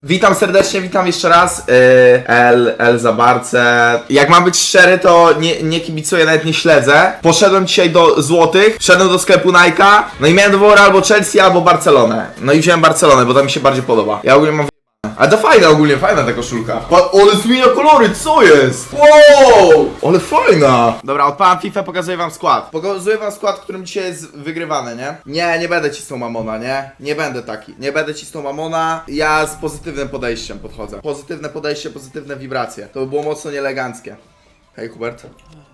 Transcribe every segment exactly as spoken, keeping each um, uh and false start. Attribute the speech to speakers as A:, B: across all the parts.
A: Witam serdecznie, witam jeszcze raz. Yy, L, L za Barce. Jak mam być szczery, to nie, nie kibicuję, nawet nie śledzę. Poszedłem dzisiaj do złotych, wszedłem do sklepu Nike'a, no i miałem do wyboru albo Chelsea, albo Barcelonę. No i wziąłem Barcelonę, bo to mi się bardziej podoba. Ja ogólnie mam ale to fajna ogólnie, fajna ta koszulka. Pa, ale zmienia kolory, co jest? Wow! Ale fajna! Dobra, odpalam FIFA, pokazuję wam skład. Pokazuję wam skład, którym dzisiaj jest wygrywany, nie? Nie, nie będę cisnął Mamona, nie? Nie będę taki. Nie będę cisnął Mamona. Ja z pozytywnym podejściem podchodzę. Pozytywne podejście, pozytywne wibracje. To by było mocno nieeleganckie. Hej, Hubert.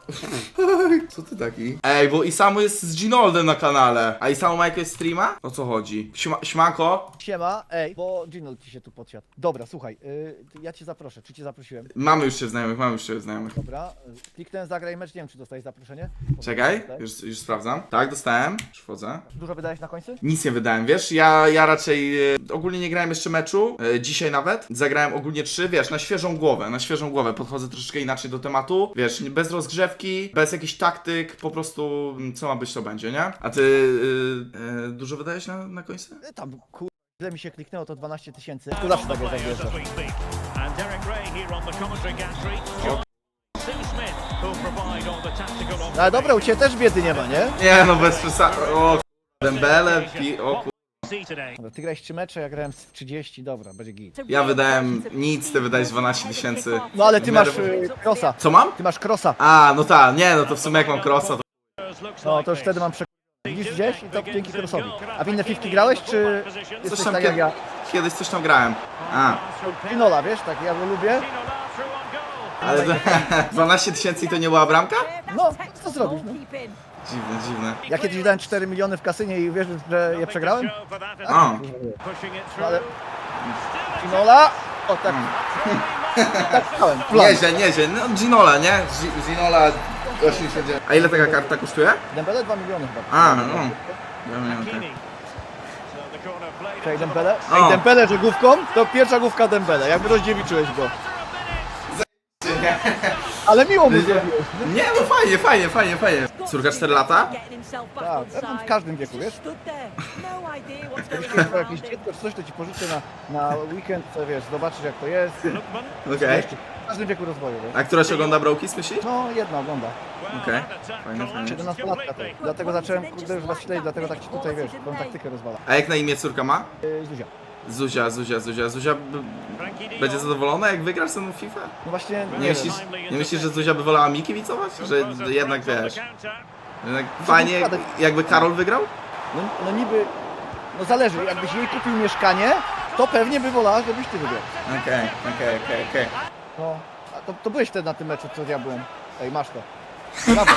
A: Co ty taki? Ej, bo Isamu jest z Ginoldem na kanale. A Isamu ma jakiegoś streama? O co chodzi? Śma śmako?
B: Siema, ej, bo Ginold ci się tu podsiadł. Dobra, słuchaj, yy, ja cię zaproszę, czy cię zaprosiłem?
A: Mamy już się znajomych, mamy już się znajomych.
B: Dobra, y, kliknąłem zagraj mecz, nie wiem czy dostałeś zaproszenie?
A: Czekaj,
B: Dostałeś?
A: już, już sprawdzam. Tak, dostałem. Już wchodzę.
B: Dużo wydałeś na końcu?
A: Nic nie wydałem, wiesz, ja, ja raczej e, ogólnie nie grałem jeszcze meczu, e, dzisiaj nawet. Zagrałem ogólnie trzy, wiesz, na świeżą głowę, na świeżą głowę. Podchodzę troszeczkę inaczej do tematu, wiesz, nie- bez rozgrzewki, bez jakichś taktyk, po prostu mm, co ma być, to będzie, nie? A ty e, e, dużo wydałeś na, na końcu?
B: Y, Tam, kur... Ile mi się kliknęło, to dwanaście tysięcy. To zawsze tak jest, jak wjeżdżasz.
C: And Derek Ray here on the commentary gantry. John Sue Smith who'll provide all the tactical
B: No ale dobra, u ciebie też biedy nie ma, nie?
A: Nie, no bez przesady. O, Dembele, pi- o ku...
C: see today.
B: Dobra, ty grałeś trzy mecze, ja grałem z trzydzieści, dobra, będzie git.
A: Ja wydałem nic, ty wydałeś dwanaście tysięcy.
B: No ale ty
A: W
B: masz
A: miarę-
B: y, crossa,
A: Co mam?
B: ty masz crossa.
A: A, no tak, nie, no to w sumie jak mam crossa, to...
C: Looks
B: No
C: like
B: to już
C: this.
B: wtedy mam przekonanie. Widzisz gdzieś i to dzięki crossowi. A w inne fifki grałeś, czy
A: Coś
B: jesteś
A: tam
B: tak jak
A: kiedy,
B: ja?
A: kiedyś coś tam grałem. A.
B: Pinola, wiesz, tak ja go lubię.
C: Pinola through on goal.
A: Ale to, dwanaście tysięcy i to nie była bramka?
B: No, co zrobisz, no?
A: Dziwne, dziwne.
B: Ja kiedyś dałem cztery miliony w kasynie i wiesz, że je przegrałem?
C: Joe for that
A: O,
C: attack. Pushing it
B: No, ale
C: through.
B: Pinola, o tak, tak stałem, plan.
A: nieźle, nieźle. No Ginola, nie? Gi- Ginola osiemdziesiąt dziewięć. A ile taka karta kosztuje?
B: Dembele dwa miliony chyba.
A: A, no. Ja miałem tak.
C: Kini. So the corner played
B: Czyli
C: into
B: Dembele?
A: O.
B: Ej, Dembele, że główką? To pierwsza główka Dembele, jakby rozdziewiczyłeś go. Ale miło mu zrobiłeś.
A: Nie, no fajnie, fajnie, fajnie, fajnie. Córka cztery lata?
B: Tak, ja bym w każdym wieku, wiesz? Jakbyś kiedyś miał jakieś dziecko czy coś, to ci pożyczę na, na weekend, to wiesz, zobaczysz jak to jest.
C: Lookman.
A: Okej.
B: Jeszcze w każdym wieku rozwoju, wiesz?
A: A która się ogląda Brokis, myślisz?
B: No, jedna ogląda.
C: Well,
A: Okej.
C: that attack
A: Fajne, fajne.
C: collapsed
B: siedemnastolatka to.
C: completely.
B: Dlatego zacząłem, kurde, już was śledzić, dlatego tak ci tutaj, wiesz, tą taktykę rozwala.
A: A jak na imię córka ma?
B: Yy, Zuzia.
A: Zuzia, Zuzia, Zuzia. Zuzia b-
C: Frankie de
A: będzie
C: Jong.
A: zadowolona, jak wygrasz ze mną w FIFA?
B: No właśnie, nie,
A: Nie
B: wiem.
A: myślisz, nie myślisz, że Zuzia by wolała mi kibicować? Że
C: Composed
A: jednak
C: threat on
A: wiesz,
C: the counter.
A: jednak fajnie jakby Karol wygrał?
B: No, no niby, no zależy, jakbyś jej kupił mieszkanie, to pewnie by wolała, żebyś ty wygrał.
A: Okej, okej, okej, okej.
B: No, a to, to byłeś wtedy na tym meczu, co ja byłem. Ej, masz to. Brawo.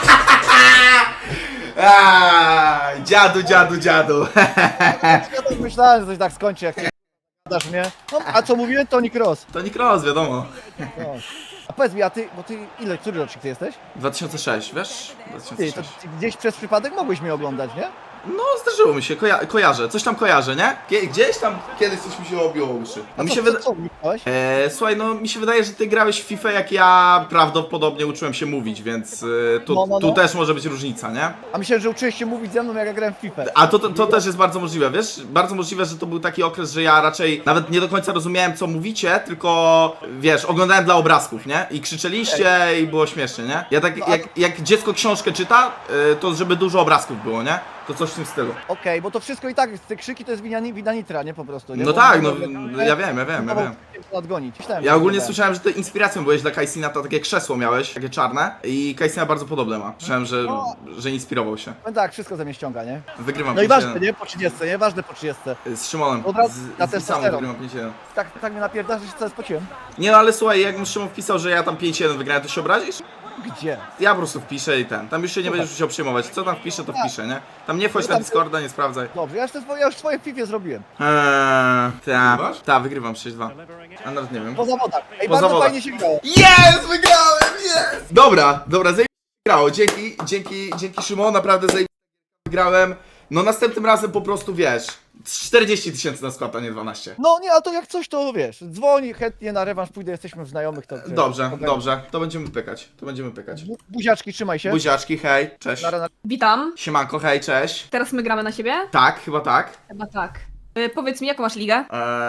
A: Aaa, dziadu, dziadu, dziadu.
B: Ja tak myślałem, że coś tak skończy, jak ty dasz mnie. No, a co mówiłem, Toni Kroos.
A: To Nick Ross, wiadomo.
B: No. A powiedz mi, a ty, bo ty, ile, który rocznik ty jesteś?
A: dwa tysiące sześć, wiesz?
B: Ty, to
A: dwa tysiące sześć.
B: ty gdzieś przez przypadek mogłeś mnie oglądać, nie?
A: No, zdarzyło mi się, koja kojarzę, coś tam kojarzę, nie? Gie Gdzieś tam kiedyś coś mi się obiło o uszy.
B: A
A: No mi
B: co,
A: się
B: co,
A: wydaje...
B: co wnikałeś?
A: Eee, słuchaj, no mi się wydaje, że ty grałeś w FIFA jak ja prawdopodobnie uczyłem się mówić, więc e, tu,
B: No, no, no.
A: tu też może być różnica, nie?
B: A myślałem, że uczyłeś się mówić ze mną, jak ja grałem w FIFA.
A: A to, to, to też jest bardzo możliwe, wiesz? Bardzo możliwe, że to był taki okres, że ja raczej nawet nie do końca rozumiałem, co mówicie, tylko wiesz, oglądałem dla obrazków, nie? I krzyczeliście i było śmiesznie, nie? Ja tak,
B: No, a-
A: jak, jak dziecko książkę czyta, e, to żeby dużo obrazków było, nie? To coś w tym stylu.
B: Okej, bo to wszystko i tak, te krzyki to jest wina, wina Nitra, nie po prostu, nie?
A: No
B: Bo-
A: tak, no
B: bo-
A: ja wiem, ja wiem, ja wiem.
B: Nadgonić. Myślałem,
A: Ja
B: że
A: ogólnie
B: tak.
A: słyszałem, że ty inspiracją byłeś dla Kajsina, to takie krzesło miałeś, takie czarne i Kajsina bardzo podobne ma. Słyszałem, że, że inspirował się.
B: No tak, wszystko ze mnie ściąga, nie?
A: Wygrywam
B: No i
A: pięć
B: ważne,
A: jeden.
B: nie? Po trzydziestce, nie? Ważne po trzydziestce.
A: Z Szymonem,
B: Od razu
A: z,
B: na
A: z Isamu
B: testosteron.
A: wygrywam pięć jeden.
B: Tak, tak mnie napierdasz, że się cały spociłem.
A: Nie no, ale słuchaj, jak Szymon wpisał, że ja tam pięć jeden wygrałem, to się obrazisz?
B: Gdzie?
A: Ja po prostu wpiszę i ten. Tam już się nie będziesz musiał przejmować. Co tam wpiszę, to wpiszę, nie? Tam nie wchodź na Discorda, nie sprawdzaj.
B: Dobrze, ja już, te swoje, ja już swoje w FIFA zrobiłem.
A: Eee, ta, ta, wygrywam sześć dwa. A nawet nie wiem.
B: Po zawodach. Ej,
A: Po
B: bardzo
A: zawodach.
B: fajnie się grało.
A: Jest! Wygrałem! Jest! Dobra, dobra, zajebiście grało. Dzięki, dzięki, dzięki Szymon, naprawdę zajebiście wygrałem. No następnym razem po prostu wiesz, czterdzieści tysięcy na skład, a nie dwanaście.
B: No nie, a to jak coś, to wiesz, dzwoni chętnie na rewanż, pójdę, jesteśmy w znajomych, to...
A: Dobrze,
B: to-
A: dobrze, to będziemy pykać, to będziemy pykać.
B: Bu- Buziaczki, trzymaj się.
A: Buziaczki, hej, cześć.
B: Na, na,
D: Witam.
A: Siemanko, hej, cześć.
D: Teraz my gramy na siebie?
A: Tak, chyba tak.
D: Chyba tak. Y, powiedz mi, jaką masz ligę?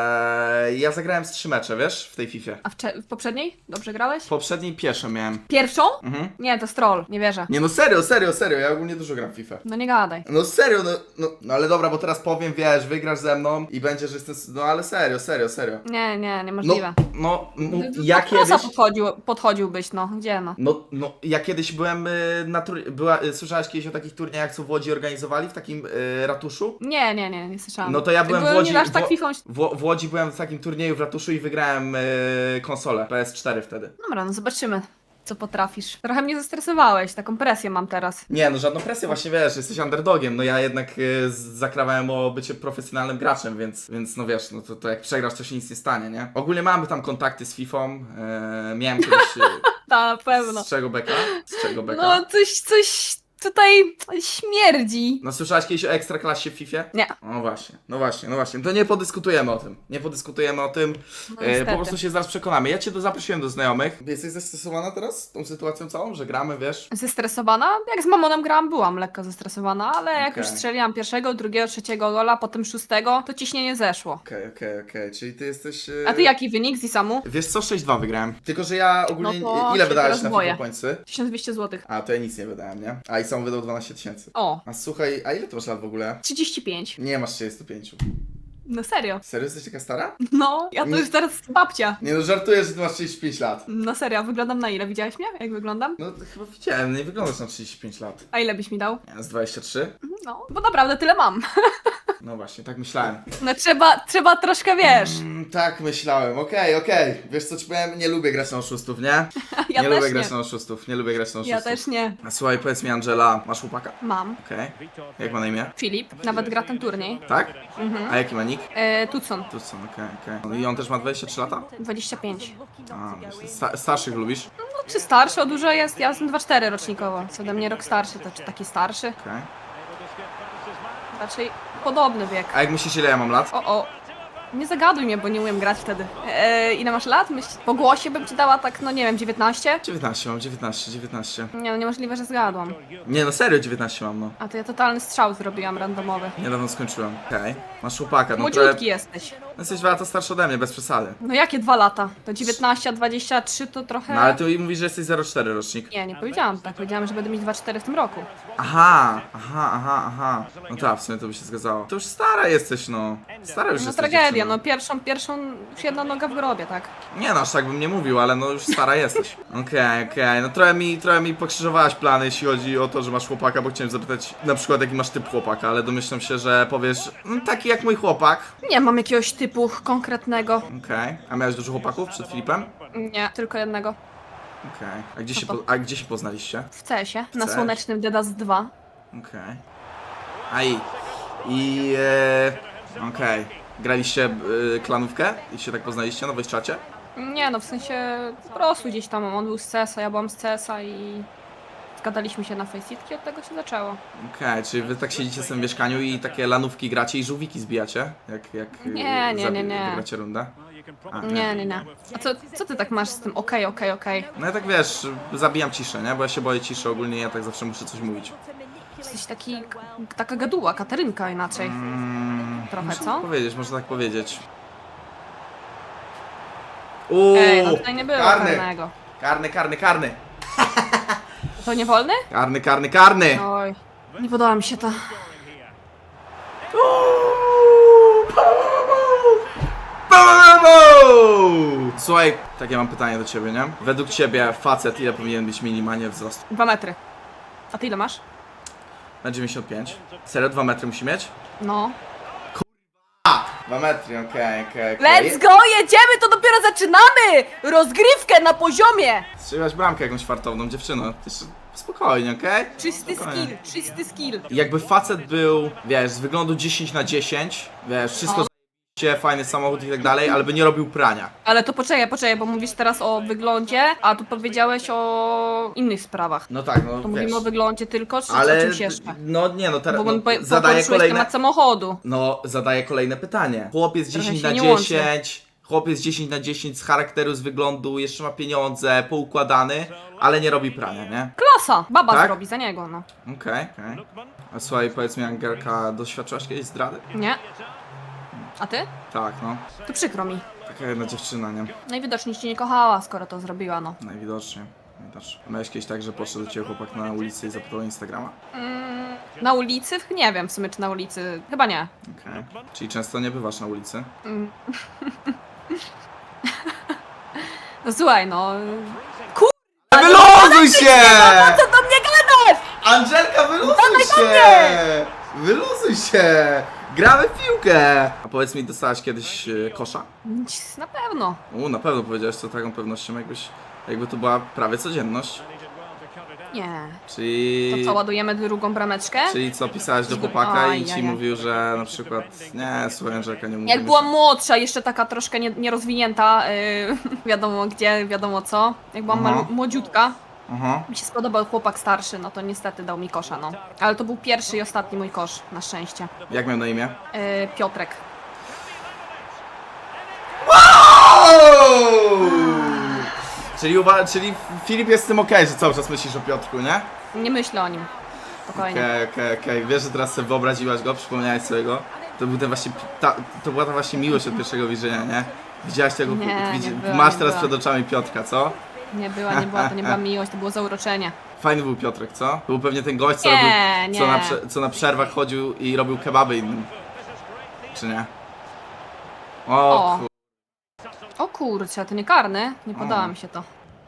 A: Eee, ja zagrałem z trzy mecze, wiesz, w tej Fifie.
D: A w, cze- w poprzedniej? Dobrze grałeś?
A: W poprzedniej pierwsze miałem.
D: Pierwszą?
A: Mhm.
D: Nie, to stroll, nie wierzę.
A: Nie no serio, serio, serio, ja ogólnie dużo gram w FIFA.
D: No nie gadaj.
A: No serio, no, no, no ale dobra, bo teraz powiem, wiesz, wygrasz ze mną i będzie, że jestem, no ale serio, serio, serio.
D: Nie, nie,
A: No,
D: niemożliwe.
A: no, no
D: Do
A: ja
D: Krosa
A: kiedyś...
D: podchodził, podchodziłbyś, no. Gdzie no?
A: No, no, ja kiedyś byłem y, na tur... była, y, słyszałaś kiedyś o takich turniejach, co w Łodzi organizowali, w takim y, ratuszu?
D: Nie, nie, nie, nie słyszałam.
A: No to ja byłem w
D: Byłem
A: Łodzi,
D: nie aż tak
A: w,
D: fifą...
A: w, w Łodzi byłem w takim turnieju w ratuszu i wygrałem y, konsolę P S cztery wtedy.
D: Dobra, no zobaczymy, co potrafisz. Trochę mnie zestresowałeś, taką presję mam teraz.
A: Nie, no żadną presję, właśnie wiesz, jesteś underdogiem, no ja jednak y, z- zakrawałem o bycie profesjonalnym graczem, więc, więc no wiesz, no to, to jak przegrasz, to się nic nie stanie, nie? Ogólnie mamy tam kontakty z Fifą, y, miałem kiedyś... Y,
D: Ta, na pewno.
A: z czego beka? Z czego beka?
D: No, coś, coś tutaj śmierdzi.
A: No słyszałaś kiedyś o Ekstraklasie w Fifie?
D: Nie.
A: No właśnie, no właśnie, no właśnie. To nie podyskutujemy o tym. Nie podyskutujemy o tym.
D: No,
A: e,
D: niestety.
A: po prostu się zaraz przekonamy. Ja cię do zaprosiłem do znajomych. Jesteś zestresowana teraz tą sytuacją całą, że gramy, wiesz?
D: Zestresowana? Jak z Mamonem grałam, byłam lekko zestresowana, ale jak
A: Okej.
D: już strzeliłam pierwszego, drugiego, trzeciego gola, potem szóstego, to ciśnienie zeszło.
A: Okej, okej, okej. Czyli ty jesteś... e,
D: A ty jaki wynik z Isamu?
A: Wiesz co, sześć dwa wygrałem. Tylko, że ja ogólnie...
D: No to
A: ile
D: się
A: wydałeś
D: teraz
A: na
D: boję.
A: FIFA Pointsy?
D: tysiąc dwieście złotych.
A: A, to ja nic nie wydałem, nie? A i sam wydał dwanaście tysięcy.
D: O,
A: A słuchaj, a ile ty masz lat w ogóle?
D: trzydzieści pięć.
A: Nie masz trzydzieści pięć.
D: No serio.
A: Serio, jesteś taka stara?
D: No, ja to
A: Nie.
D: już teraz babcia.
A: Nie no, żartuję, że ty masz trzydzieści pięć lat.
D: No serio, a wyglądam na ile? Widziałeś mnie? Jak wyglądam?
A: No chyba widziałem, nie wyglądasz na trzydzieści pięć lat.
D: A ile byś mi dał?
A: Nie, z dwadzieścia trzy?
D: No, bo naprawdę tyle mam.
A: No właśnie, tak myślałem.
D: No trzeba, trzeba troszkę, wiesz.
A: Mm, tak myślałem, okej, okej. Wiesz co ci powiem? Nie lubię grać na oszustów, nie?
D: Ja
A: nie
D: też
A: lubię
D: nie.
A: grać na oszustów, nie lubię grać na oszustów.
D: Ja też nie.
A: A słuchaj, powiedz mi Angela, masz chłopaka?
D: Mam.
A: Okej. Jak ma na imię?
D: Filip, nawet gra ten turniej.
A: Tak?
D: Mhm.
A: A jaki ma nick?
D: E, Tucson,
A: Tu są, okej, okej. No I on też ma dwadzieścia trzy lata?
D: dwadzieścia pięć.
A: A, myślę, sta starszych lubisz?
D: No, czy starszy o dużo jest? Ja jestem dwa cztery rocznikowo. Co ode mnie rok starszy, to czy taki starszy?
A: Okej.
D: Raczej podobny wiek.
A: A jak myślisz, ile ja mam lat?
D: O, o. Nie zagaduj mnie, bo nie umiem grać wtedy. E, ile masz lat? Myśl... Po głosie bym ci dała tak, no nie wiem, dziewiętnaście?
A: dziewiętnaście mam, dziewiętnaście, dziewiętnaście.
D: Nie, no niemożliwe, że zgadłam.
A: Nie no, serio dziewiętnaście mam, no.
D: A to ja totalny strzał zrobiłam randomowy.
A: Niedawno skończyłem. Okej. Masz chłopaka, no
D: Młodziutki
A: trochę...
D: jesteś.
A: Jesteś dwa lata starszy ode mnie, bez przesady.
D: No jakie dwa lata? To dziewiętnaście, a dwadzieścia trzy to trochę...
A: No ale ty mówisz, że jesteś zero cztery rocznik.
D: Nie, nie powiedziałam tak. Powiedziałam, że będę mieć dwa cztery w tym roku.
A: Aha, aha, aha, aha. No tak, w sumie to by się zgadzało. To już stara jesteś, no. Stara już
D: No
A: jesteś
D: tragedia,
A: dziewczyną.
D: no pierwszą, pierwszą już jedna noga w grobie, tak?
A: Nie no, aż tak bym nie mówił, ale no już stara jesteś. Okej, okej, no trochę mi, trochę mi pokrzyżowałaś plany, jeśli chodzi o to, że masz chłopaka, bo chciałem zapytać na przykład jaki masz typ chłopaka, ale domyślam się, że powiesz, mm, taki jak mój chłopak.
D: Nie mam jakiegoś typu konkretnego.
A: Okej, a miałeś dużo chłopaków przed Filipem?
D: Nie, tylko jednego.
A: Okej, a, gdzie się
D: to?
A: po, a gdzie się poznaliście?
D: W C S ie, na
A: C S?
D: słonecznym Dedas dwa.
A: Okej. A i... I... E, okej. Graliście e, klanówkę? I się tak poznaliście na czacie?
D: Nie no, w sensie po prostu gdzieś tam on był z C S a, ja byłam z C S a i zgadaliśmy się na faceitki, od tego się zaczęło.
A: Okej, czyli wy tak siedzicie w tym mieszkaniu i takie lanówki gracie i żółwiki zbijacie? Jak, jak e,
D: Nie, nie, nie, nie.
A: wygracie rundę? A,
D: Nie, nie, nie. A co, co ty tak masz z tym okej, okej, okej?
A: No ja tak wiesz, zabijam ciszę, nie? Bo ja się boję ciszy ogólnie, ja tak zawsze muszę coś mówić.
D: Jesteś taki, taka gaduła, Katarynka inaczej.
A: Mm,
D: Trochę,
A: można
D: co?
A: tak powiedzieć, można tak powiedzieć. Uuu,
D: Ej, no tutaj nie było
A: karny,
D: karnego.
A: karny, karny, karny,
D: To nie wolny?
A: karny, karny, karny.
D: Oj, nie podoba mi się to.
A: Słuchaj, takie mam pytanie do ciebie, nie? Według ciebie facet ile powinien być minimalnie wzrostu?
D: Dwa metry. A ty ile masz?
A: Na dziewięćdziesiąt pięć. Serio? Dwa metry musi mieć?
D: No.
A: Dwa metry, okej, okej, okej.
D: Let's go, jedziemy, to dopiero zaczynamy! Rozgrywkę na poziomie!
A: Strzeliłaś bramkę jakąś fartowną dziewczyną. Jeszcze spokojnie, okej?
D: Czysty
A: Spokojnie.
D: skill, czysty skill.
A: Jakby facet był, wiesz, z wyglądu dziesięć na dziesięć, wiesz, wszystko
D: O.
A: z***cie, fajny samochód i tak dalej, ale by nie robił prania.
D: Ale to poczekaj, poczekaj, bo mówisz teraz o wyglądzie, a tu powiedziałeś o innych sprawach.
A: No tak, no
D: To
A: wiesz.
D: mówimy o wyglądzie tylko, czy
A: Ale,
D: o czymś jeszcze?
A: no nie, no teraz
D: Bo
A: no,
D: po,
A: zadaję
D: poruszyłeś
A: kolejne...
D: temat samochodu.
A: No, zadaję kolejne pytanie. Chłopiec
D: Trochę
A: dziesięć
D: się
A: na
D: nie łączy.
A: dziesięć, chłopiec dziesięć na dziesięć z charakteru, z wyglądu, jeszcze ma pieniądze, poukładany, ale nie robi prania, nie?
D: Klasa! Baba
A: Tak?
D: zrobi za niego, no.
A: Okej, okej. A słuchaj, powiedz mi, Angelka, doświadczyłaś kiedyś zdrady?
D: Nie? A ty?
A: Tak, no.
D: To przykro mi.
A: Taka jedna dziewczyna, nie?
D: Najwidoczniej cię nie kochała, skoro to zrobiła, no.
A: Najwidoczniej. Najwidoczniej. A miałeś kiedyś tak, że podszedł do ciebie chłopak na ulicy i zapytał o Instagrama?
D: Mm, na ulicy? Nie wiem w sumie, czy na ulicy. Chyba nie.
A: Okej. Czyli często nie bywasz na ulicy?
D: Mm. No słuchaj, no...
A: Wyluzuj się!
D: Co do mnie gadasz?
A: Angelka, wyluzuj się! Wyluzuj się! Gramy w piłkę! A powiedz mi, dostałaś kiedyś e, kosza?
D: Na pewno.
A: U, na pewno powiedziałeś to taką pewnością, jakbyś, jakby to była prawie codzienność.
D: Nie.
A: Czyli...
D: To co, ładujemy drugą brameczkę?
A: Czyli co, pisałaś do
D: Oj,
A: chłopaka i
D: oj,
A: ci
D: oj.
A: mówił, że na przykład nie, słuchaj Angelka, nie mówię.
D: Jak byłam młodsza, jeszcze taka troszkę nie- nierozwinięta, yy, wiadomo gdzie, wiadomo co. Jak byłam
A: Aha.
D: malu- młodziutka,
A: Aha.
D: mi się spodobał chłopak starszy, no to niestety dał mi kosza, no. Ale to był pierwszy i ostatni mój kosz, na szczęście.
A: Jak miał na imię?
D: Yy, Piotrek.
A: Czyli, uwa- czyli Filip jest z tym okej, że cały czas myślisz o Piotrku, nie?
D: Nie myślę o nim. Spokojnie.
A: Okej, okej, okej. Wiesz, że teraz sobie wyobraziłaś go, przypomniałeś sobie go? To był ten właśnie, ta, to była ta właśnie miłość od pierwszego widzenia, nie? Widziałaś tego,
D: Nie, nie
A: widzi,
D: była,
A: masz
D: nie
A: teraz
D: była.
A: przed oczami Piotrka, co?
D: Nie była, nie była, to nie była miłość, to było zauroczenie.
A: Fajny był Piotrek, co? To był pewnie ten gość, co,
D: Nie,
A: robił, co,
D: nie.
A: na, prze- co na przerwach chodził i robił kebaby innym. Czy nie? O,
D: O.
A: kur...
D: O kurczę, to nie karny? Nie podoba
A: O.
D: mi się to.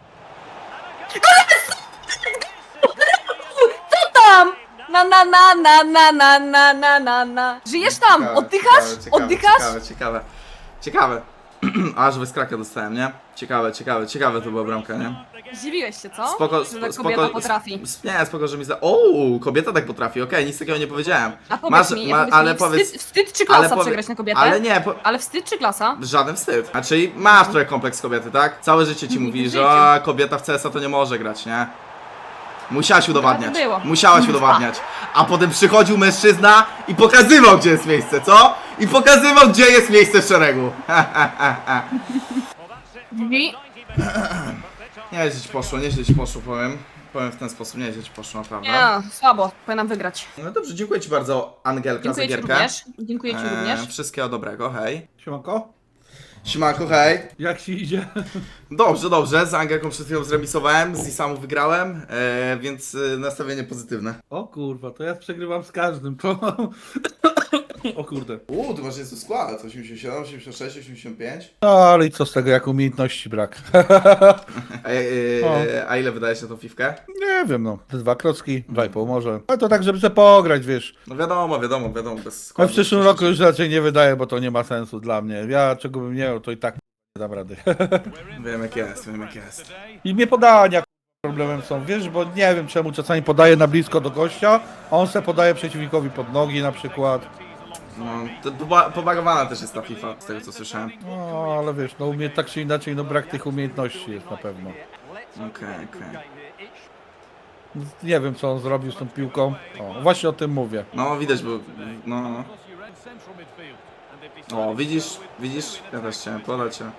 D: Co tam? Na na na na na na na na na na. Żyjesz tam?
A: Ciekawe,
D: Oddychasz?
A: ciekawe, ciekawe,
D: Oddychasz?
A: Ciekawe, ciekawe. Ciekawe. Aż bez kraka dostałem, nie? Ciekawe, ciekawe, ciekawe to była bramka, nie?
D: Zdziwiłeś się, co?
A: Spoko,
D: Że
A: spo,
D: tak
A: spoko,
D: kobieta potrafi.
A: sp- Nie, spoko, że mi za... O, kobieta tak potrafi, okej, nic takiego nie powiedziałem.
D: A powiedz
A: Masz-
D: mi,
A: ma-
D: powiedz
A: ale
D: mi
A: powiedz-
D: wstyd, wstyd czy klasa
A: ale powie-
D: przegrać na kobietę?
A: Ale nie, po...
D: Ale wstyd czy klasa?
A: żaden wstyd. A czyli masz trochę kompleks kobiety, tak? Całe życie ci
D: W
A: mówi,
D: życiu.
A: że a, kobieta w C S a to nie może grać, nie? Musiałaś udowadniać.
D: było.
A: Musiałaś udowadniać. A potem przychodził mężczyzna i pokazywał, gdzie jest miejsce, co? I pokazywał, gdzie jest miejsce w szeregu.
D: Drzwi.
A: Nieźle ci poszło, nieźle ci poszło, powiem. Powiem w ten sposób, nieźle ci poszło, naprawdę.
D: Nie, słabo, powinnam wygrać.
A: No dobrze, dziękuję ci bardzo, Angelka,
D: Dziękuję
A: za
D: ci
A: gierkę.
D: również. Dziękuję ci
A: Eee,
D: również.
A: Wszystkiego dobrego, hej.
B: Siemanko?
A: Siemanko, hej.
E: Jak ci idzie?
A: Dobrze, dobrze, z Angelką przed chwilą zremisowałem, z Isamu wygrałem, e, więc e, nastawienie pozytywne.
E: O kurwa, to ja przegrywam z każdym, to... O kurde.
A: Uuu, ty masz jest skład, osiemdziesiąt siedem, osiemdziesiąt sześć, osiemdziesiąt pięć.
E: No ale i co z tego, jak umiejętności brak?
A: A, e, e, a ile wydajesz na tą fifkę?
E: Nie wiem, no. Dwa klocki, dwa i pół może. Ale to tak, żeby sobie pograć, wiesz.
A: No wiadomo, wiadomo, wiadomo, bez
E: A
A: składu.
E: w przyszłym roku już raczej nie wydaję, bo to nie ma sensu dla mnie. Ja czego bym nie miał, to i tak nie dam rady.
A: Wiem jak jest, wiem jak jest.
E: I mnie podania problemem są, wiesz, bo nie wiem czemu czasami podaję na blisko do gościa, a on se podaje przeciwnikowi pod nogi na przykład.
A: No, to poba- pobagowana też jest ta FIFA, z tego co słyszałem.
E: No, ale wiesz, no umie tak czy inaczej, no brak tych umiejętności jest na pewno.
A: Okej, okej.
E: Nie wiem co on zrobił z tą piłką. O, właśnie o tym mówię.
A: No widać, bo... no, no. O, widzisz, widzisz? Ja też chciałem podać się.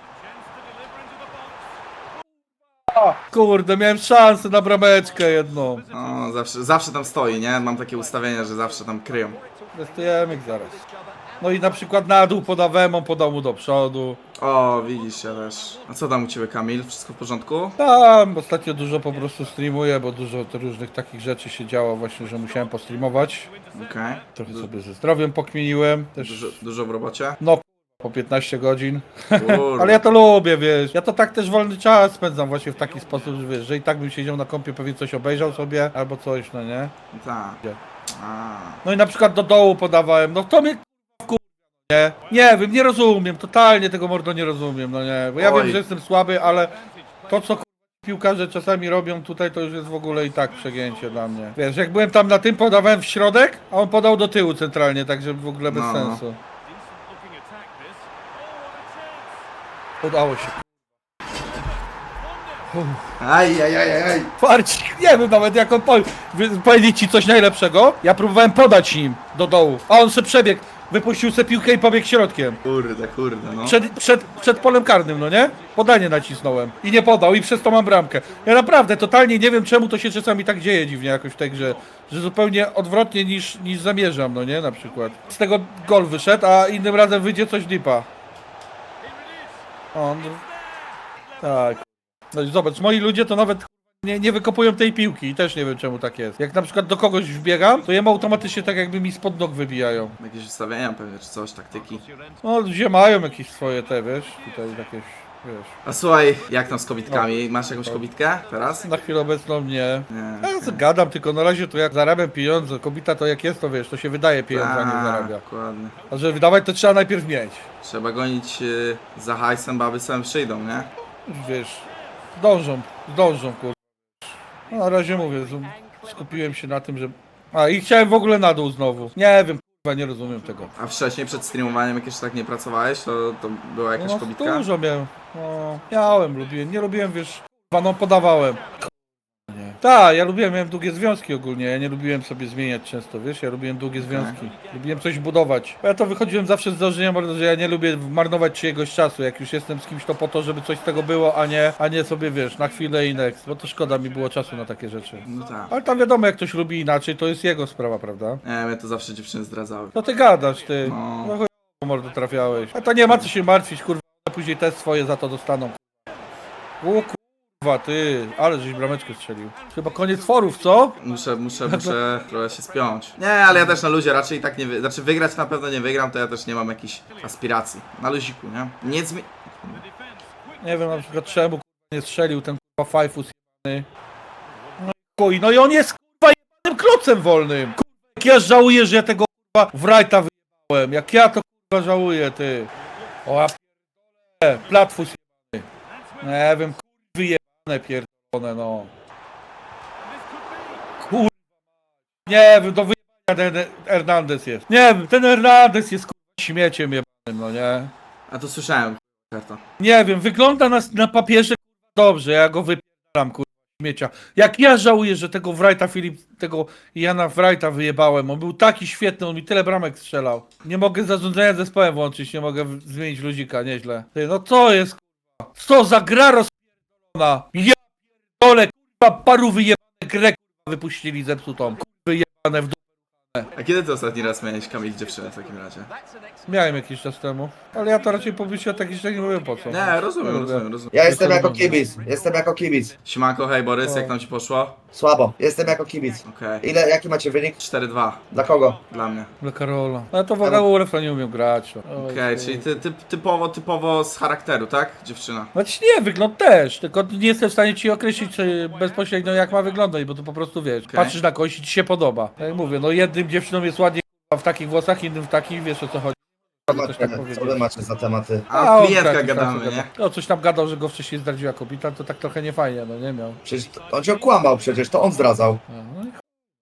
E: Kurde, miałem szansę na brameczkę jedną.
A: No, zawsze, zawsze tam stoi, nie? Mam takie ustawienia, że zawsze tam kryją.
E: Testujemy ich zaraz. No i na przykład na dół podawałem, on podał mu do przodu.
A: O, widzisz, ja też. A co tam u ciebie, Kamil? Wszystko w porządku?
E: Tam ostatnio dużo po prostu streamuję, bo dużo to różnych takich rzeczy się działo właśnie, że musiałem postreamować.
A: Okej.
E: Trochę sobie ze zdrowiem pokminiłem. Też
A: Dużo, dużo w robocie?
E: no po piętnaście godzin.
A: Kurde.
E: Ale ja to lubię, wiesz. Ja to tak też wolny czas spędzam właśnie w taki sposób, że wiesz, że i tak bym siedział na kompie, pewnie coś obejrzał sobie, albo coś, no nie?
A: Tak.
E: Gdzie?
A: A.
E: No i na przykład do dołu podawałem, no to mnie k***a, nie? Nie wiem, nie rozumiem, totalnie tego mordo nie rozumiem, no nie, bo ja
A: Oj.
E: wiem, że jestem słaby, ale to co k***a, piłkarze czasami robią tutaj, to już jest w ogóle i tak przegięcie dla mnie. Wiesz, jak byłem tam na tym, podawałem w środek, a on podał do tyłu centralnie, także w ogóle bez
A: No.
E: sensu. Udało się.
A: Aj, aj, aj, aj, aj.
E: Farcik, nie wiem nawet jak on po... wy- powiedzieć ci coś najlepszego. Ja próbowałem podać im do dołu, a on se przebiegł. wypuścił se piłkę i pobiegł środkiem.
A: Kurde, kurde, no.
E: Przed, przed, przed polem karnym, no nie? Podanie nacisnąłem. I nie podał, i przez to mam bramkę. Ja naprawdę totalnie nie wiem, czemu to się czasami tak dzieje dziwnie jakoś w tej grze. Że zupełnie odwrotnie niż, niż zamierzam, no nie? Na przykład. Z tego gol wyszedł, a innym razem wyjdzie coś lipa. On... Tak. No i zobacz, moi ludzie to nawet nie, nie wykopują tej piłki i też nie wiem czemu tak jest. Jak na przykład do kogoś wbiegam, to jem automatycznie tak jakby mi spod nóg wybijają.
A: Jakieś ustawienia pewnie, czy coś, taktyki.
E: No ludzie mają jakieś swoje te, wiesz, tutaj jakieś, wiesz.
A: A słuchaj, jak tam z kobitkami? Masz jakąś kobitkę teraz?
E: Na chwilę obecną nie.
A: Nie.
E: Ja gadam, tylko na razie to jak zarabiam pieniądze, kobieta to jak jest, to wiesz, to się wydaje pieniądze, a nie zarabia.
A: Dokładnie.
E: A żeby wydawać to trzeba najpierw mieć.
A: Trzeba gonić y, za hajsem, baby sam przyjdą, nie?
E: Już wiesz, zdążą, zdążą, kur... No, na razie mówię, z- skupiłem się na tym, że... A i chciałem w ogóle na dół znowu. Nie wiem, kurwa, nie rozumiem tego.
A: A wcześniej przed streamowaniem, jak jeszcze tak nie pracowałeś, to, to była jakaś
E: No,
A: kobitka?
E: dużo miałem. No, miałem, lubiłem, nie lubiłem, wiesz, kurwa, no podawałem. Nie. Tak, ja lubiłem, miałem długie związki ogólnie, ja nie lubiłem sobie zmieniać często, wiesz, ja lubiłem długie związki, lubiłem coś budować. Ja to wychodziłem zawsze z założenia, że ja nie lubię marnować czyjegoś czasu, jak już jestem z kimś, to po to, żeby coś z tego było, a nie, a nie sobie, wiesz, na chwilę i next, bo to szkoda mi było czasu na takie rzeczy.
A: No tak.
E: Ale tam wiadomo, jak ktoś lubi inaczej, to jest jego sprawa, prawda?
A: Nie, mnie to zawsze dziewczyny zdradzały.
E: To ty gadasz, ty,
A: No.
E: no chuj, mordo trafiałeś. A to nie ma co się martwić, kurwa, później też swoje za to dostaną. O kurwa, ty, ale żeś brameczkę strzelił. Chyba koniec forów, co?
A: Muszę, muszę, muszę trochę się spiąć. Nie, ale ja też na luzie raczej tak nie wy... Znaczy wygrać na pewno nie wygram, to ja też nie mam jakichś aspiracji. Na luziku, nie? Nie zmi...
E: Nie wiem na przykład czemu kurwa nie strzelił ten kurwa Fajfus jebany. No i chuj, no i on jest kurwa jebanym klocem wolnym. Kurwa, jak ja żałuję, że ja tego kurwa Wrighta wyjebałem. Jak ja to kurwa żałuję, ty. O ja pierdolę, platfus jebany. Nie wiem, kurwa wyjebane pierdolone, no. Kurwa. Nie wiem, do wyjebania ten Hernandez jest. Nie wiem, ten Hernandez jest kurwa śmieciem jebanym, no nie.
A: A to słyszałem, karta.
E: Nie wiem, wygląda na, na papierze kurwa, dobrze, ja go wypieram kurwa śmiecia. Jak ja żałuję, że tego Wrighta Filip, tego Jana Wrighta wyjebałem, on był taki świetny, on mi tyle bramek strzelał. Nie mogę zarządzania zespołem włączyć, nie mogę w- zmienić luzika, nieźle. Ty, no co jest kurwa? Co za gra rozpierdolona? Ja pierdolę, kurwa, paru wyjebanych grę kurwa wypuścili zepsutą. Kurwy jebane w dół.
A: A kiedy ty ostatni raz miałeś Kamil dziewczynę w takim razie?
E: Miałem jakiś czas temu, ale ja to raczej po wyjściu takich rzeczy nie mówię po co.
A: Nie, rozumiem, rozumiem, rozumiem.
F: Ja jestem
E: to
F: jako
E: dobrze.
F: kibic, jestem jako kibic.
A: Siemanko, hej Borys,
E: No.
A: jak tam ci poszło?
F: Słabo, jestem jako kibic.
A: Okej.
F: Ile, jaki macie wynik?
A: cztery dwa
F: Dla kogo?
A: dla mnie.
E: Dla Karola. Ale to w ogóle w to nie umiem grać. Oj,
A: Okej,
E: chuj.
A: czyli ty, ty, typowo, typowo z charakteru, tak? Dziewczyna.
E: Znaczy nie, wygląd też, tylko nie jestem w stanie ci określić czy bezpośrednio jak ma wyglądać, bo to po prostu wiesz,
A: Okej.
E: patrzysz na kogoś i ci się podoba. Tak jak mówię, no jednym dziewczynom jest ładnie k***a, w takich włosach, innym w takich, wiesz o co chodzi.
F: Co,
E: Coś tak
F: macie,
E: powiedzieć.
F: co wy macie za tematy?
A: A o
E: on
A: klientkach
E: jakiś tam
A: gadamy,
E: coś
A: nie?
E: gadał. No coś tam gadał, że go wcześniej zdradziła kobieta, to tak trochę nie fajnie, no nie miał.
F: Przecież to- on cię okłamał przecież, to on zdradzał.
E: No, no i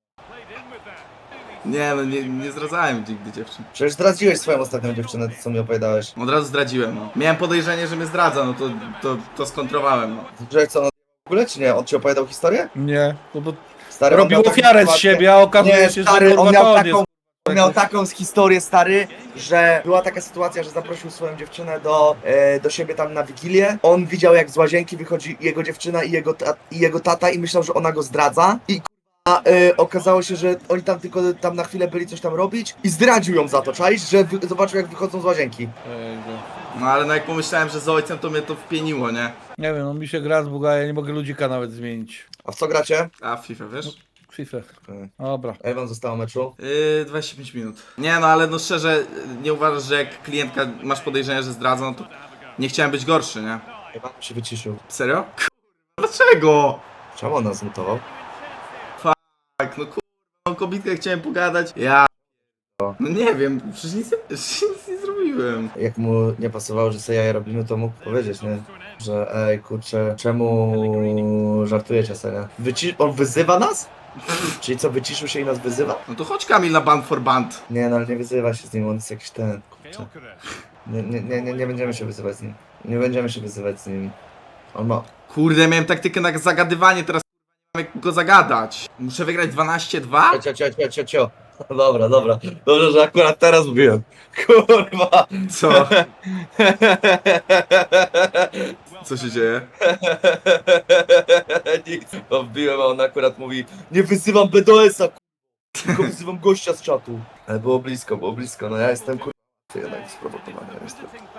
A: Nie, no nie, nie zdradzałem nigdy dziewczyn.
F: Przecież zdradziłeś swoją ostatnią dziewczynę, to co mi opowiadałeś.
A: Od razu zdradziłem, no. Miałem podejrzenie, że mnie zdradza, no to, to, to skontrowałem, no.
F: Że co, on w ogóle czy nie? On ci opowiadał historię?
E: nie, no bo
F: Stary, on
E: robił
F: miał taką
E: ofiarę z
F: sytuację-
E: siebie, a okazuje
F: Nie,
E: się,
F: stary,
E: że
F: on
E: kurwa
F: miał
E: to on
F: taką,
E: jest.
F: on miał taką historię, stary, że była taka sytuacja, że zaprosił swoją dziewczynę do, e, do siebie tam na Wigilię. On widział, jak z łazienki wychodzi jego dziewczyna i jego, ta, i jego tata i myślał, że ona go zdradza. I a e, okazało się, że oni tam tylko tam na chwilę byli coś tam robić i zdradził ją za to, czaisz? Że wy, zobaczył, jak wychodzą z łazienki.
E: Ej,
A: No ale no jak pomyślałem, że z ojcem, to mnie to wpieniło, nie?
E: nie wiem, no mi się gra z Buga, ja nie mogę ludzika nawet zmienić.
F: A w co gracie?
A: A w FIFA, wiesz?
E: FIFA.
F: Okej.
E: Dobra.
F: A ile wam zostało meczu?
A: Yy, dwadzieścia pięć minut. Nie no, ale no szczerze, nie uważasz, że jak klientka masz podejrzenie, że zdradza, no to nie chciałem być gorszy, nie?
F: Chyba się wyciszył.
A: Serio? Kurwa, dlaczego?
F: Czemu on nas zmutował?
A: Tak, no kurwa, o kobitkę chciałem pogadać. Ja... No nie wiem, przecież nic, przecież nic nie zrobiłem.
F: Jak mu nie pasowało, że sobie jaja robimy, to mógł powiedzieć, nie? Że ej, kurczę, czemu żartujecie sobie, nie? Wyci- on wyzywa nas? Czyli co, wyciszył się i nas wyzywa?
A: No to chodź Kamil na band for band.
F: Nie, no ale nie wyzywa się z nim, on jest jakiś ten, kurczę. Nie, nie, nie, nie, nie będziemy się wyzywać z nim. Nie będziemy się wyzywać z nim. On ma...
A: Kurde, miałem taktykę na zagadywanie, teraz kurwa nie mam jak go zagadać. Muszę wygrać dwanaście dwa?
F: Cio, cio, cio, cio, cio. Dobra, dobra. Dobrze, że akurat teraz mówiłem. Kurwa.
A: Co? Co się dzieje?
F: Nic. To wbiłem, a on akurat mówi, nie wyzywam B D S-a, kurwa, tylko wyzywam gościa z czatu. Ale było blisko, było blisko. No ja jestem kurwa jednak sprowokowany. Jestem.